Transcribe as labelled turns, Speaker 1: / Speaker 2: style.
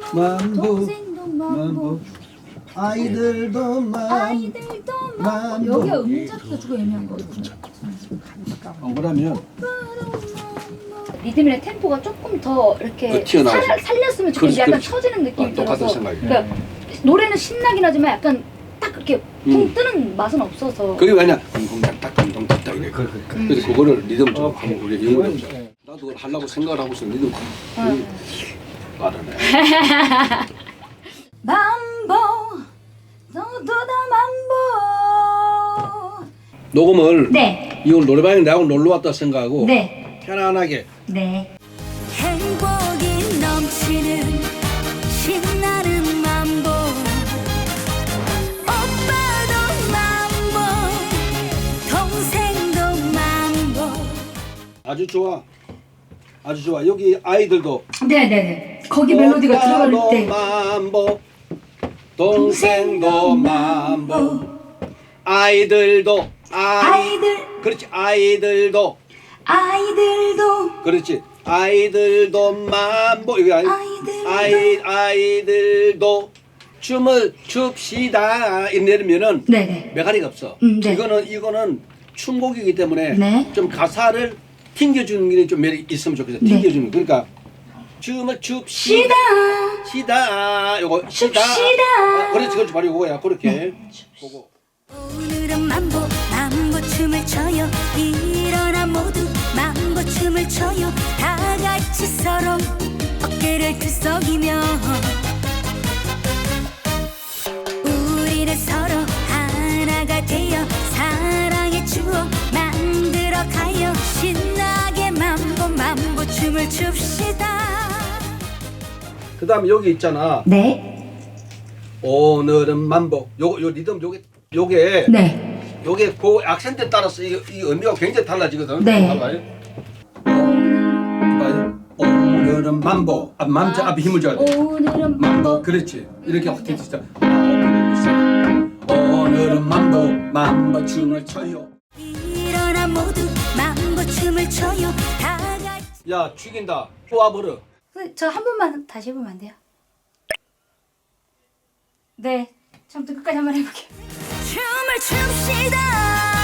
Speaker 1: 만보
Speaker 2: 동생도 만보
Speaker 1: 아이들도
Speaker 2: 아이들도 만보. 여기가 음자도 주고 애매한 거거든요.
Speaker 1: 그러면
Speaker 2: 리듬이나 템포가 조금 더 이렇게
Speaker 3: 튀어나와서.
Speaker 2: 살렸으면 좋겠는데
Speaker 3: 그렇지,
Speaker 2: 약간
Speaker 3: 그렇지.
Speaker 2: 처지는 느낌이
Speaker 3: 똑같은
Speaker 2: 들어서
Speaker 3: 생각이에요.
Speaker 2: 그러니까 노래는 신나긴 하지만 약간 딱 그렇게 붕 뜨는 맛은 없어서
Speaker 3: 그리고 그냥 쿵쿵딱딱 쿵쿵딱딱 이래. 그래서 그거를 리듬 좀 한번 우리 연구해 보자. 나도 그걸 하려고 생각을 하고 있어. 리듬 빠르네.
Speaker 2: 만보 너도 다 만보.
Speaker 3: 녹음을
Speaker 2: 네.
Speaker 3: 이걸 노래방에 나하고 놀러 왔다 생각하고
Speaker 2: 네.
Speaker 3: 편안하게.
Speaker 2: 네.
Speaker 4: 행복이 넘치는 신나는 만보 오빠도 만보 동생도 만보
Speaker 3: 아주 좋아. 아주 좋아. 여기 아이들도
Speaker 2: 네네네. 거기 멜로디가 들어갈
Speaker 3: 오빠도
Speaker 2: 때.
Speaker 3: 만보 동생도 만보 아이들도
Speaker 2: 아이들.
Speaker 3: 그렇지 아이들도 그렇지 아이들도 만보 이거 아이들도 춤을 춥시다 이러면은
Speaker 2: 네네.
Speaker 3: 메가리가 없어.
Speaker 2: 네.
Speaker 3: 이거는 춤곡이기 때문에
Speaker 2: 네.
Speaker 3: 좀 가사를 튕겨주는 게 좀 매력 있으면 좋겠어.
Speaker 2: 네.
Speaker 3: 튕겨주는 그러니까 춤을 춥시다 시다 요거 시다 그렇지 바로 요거야 그렇게 보고.
Speaker 4: 오늘은 만보 춤을 춰요 일어나 모두 만보 춤을 춰요 다 같이 서로 어깨를 들썩이며 우리는 서로 하나가 되어 사랑의 추억 만들어 가요 신나게 만보 춤을 춥시다.
Speaker 3: 그 다음에 여기 있잖아.
Speaker 2: 네.
Speaker 3: 오늘은 만보 요 리듬 요게
Speaker 2: 네.
Speaker 3: 요게 그 악센트에 따라서 이 의미가 굉장히 달라지거든.
Speaker 2: 네.
Speaker 3: 봐봐요. 오늘은 만보 맘자 앞에 힘을 줘야 돼.
Speaker 2: 오늘은
Speaker 3: 만보 그렇지 이렇게 어떻게 진짜 오늘은 만보 춤을 춰요.
Speaker 4: 일어나 모두 만보 춤을 춰요 다 같이.
Speaker 3: 야 죽인다 쪼아버려.
Speaker 2: 저 한 번만 다시 해보면 안 돼요? 네. 처음부터 끝까지 한번 해볼게요.
Speaker 4: 춤을 춥시다.